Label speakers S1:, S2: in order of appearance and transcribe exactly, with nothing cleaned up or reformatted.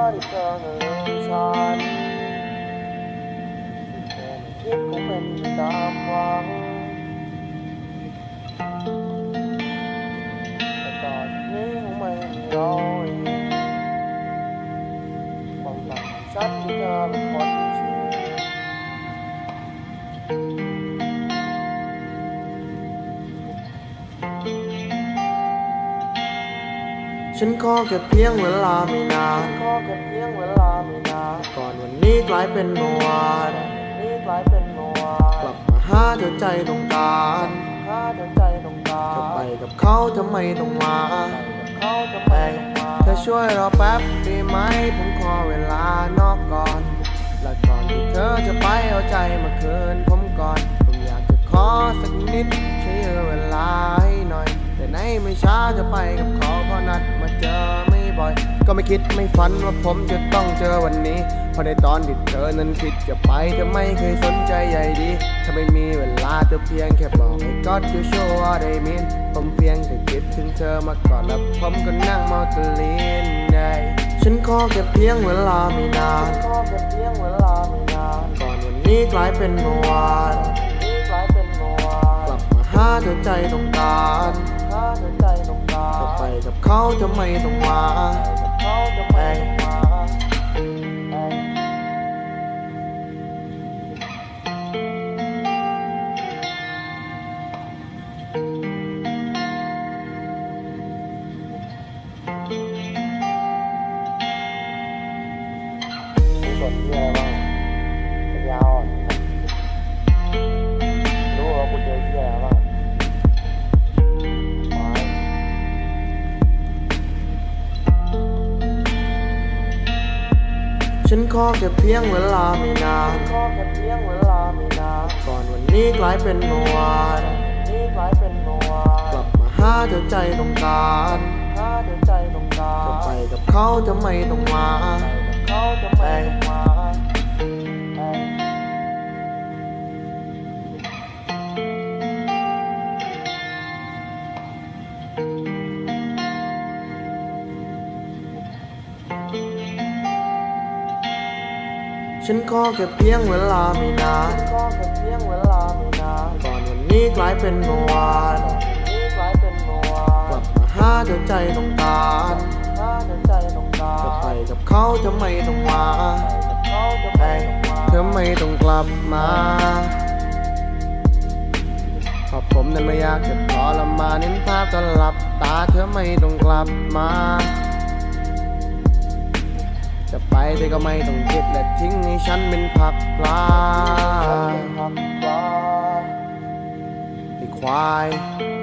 S1: ที่เธอนั้นลืมฉันที่เธอไม่คิดคงเป็นไปตามหวังแต่ต่อจากนี้คงไม่มีเราอีกความฝันของฉันที่เธอเป็นคนชื่อฉันขอแค่เพียงเวลาไม่นานขอแค่เพียงเวลาไม่นานก่อนวันนี้กลายเป็นเมื่อวานนี้กลายเป็นเมื่อวานกลับมาหาเธอใจต้องการหาเธอใจต้องการจะไปกับเขาทำไมต้องมาเขาทำไมต้องมาเธอช่วยรอแป๊บได้ไหมผมขอเวลานอกก่อนและก่อนที่เธอจะไปเอาใจมาคืนผมก่อนผมอยากจะขอสักนิดช่วยเวลาให้หน่อยแต่ไหนไม่ช้าจะไปกับเขาเพราะนัดมาเจอไม่บ่อยก็ไม่คิดไม่ฝันว่าผมจะต้องเจอวันนี้เพราะในตอนที่เธอนั้นคิดจะไปเธอไม่เคยสนใจใยดีถ้าไม่มีเวลาเธอเพียงแค่บอกให้ God you show what I mean ผมเพียงแค่คิดถึงเธอมาก่อนแล้วผมก็นั่งมองตะลินได้ฉันขอแค่เพียงเวลาไม่นานขอแค่เพียงเวลาไม่นานก่อนวันนี้กลายเป็นเมื่อวานนี้กลายเป็นเมื่อวานกลับมาหาเธอใจต้องการหาเธอใจต้องการจะไปกับเขาทำไมต้องมากับเขาทำไมต้องมาสนที่อะไรบ้างปัญญาอ่อนรู้ว่ากูเจอที่อะไรบ้างฉันขอแค่เพียงเวลาไม่นานขอแค่เพียงเวลาไม่นานก่อนวันนี้กลายเป็นเมื่อวานนี้กลายเป็นเมื่อวานกลับมาหาเธอใจต้องการหาเธอใจต้องการจะไปกับเขาทำไมต้องมากับเขาทำไมต้องมาฉันขอแค่เพียงเวลาไม่นานขอแค่เพียงเวลาไม่นานก่อนวันนี้กลายเป็นเมื่อวานนี้กลายเป็นเมื่อวานกลับมาหาเธอใจต้องการหาเธอใจต้องการจะไปกับเขาทำไมต้องมากับเขาทำไมต้องมาเธอไม่ต้องกลับมาเพราะผมนั้นไม่อยากจะทรมานเห็นภาพก็หลับตาเธอไม่ต้องกลับมาจะไปเธอก็ไม่ต้องคิดและทิ้งให้ฉันเป็นผักปลาไอ้ควาย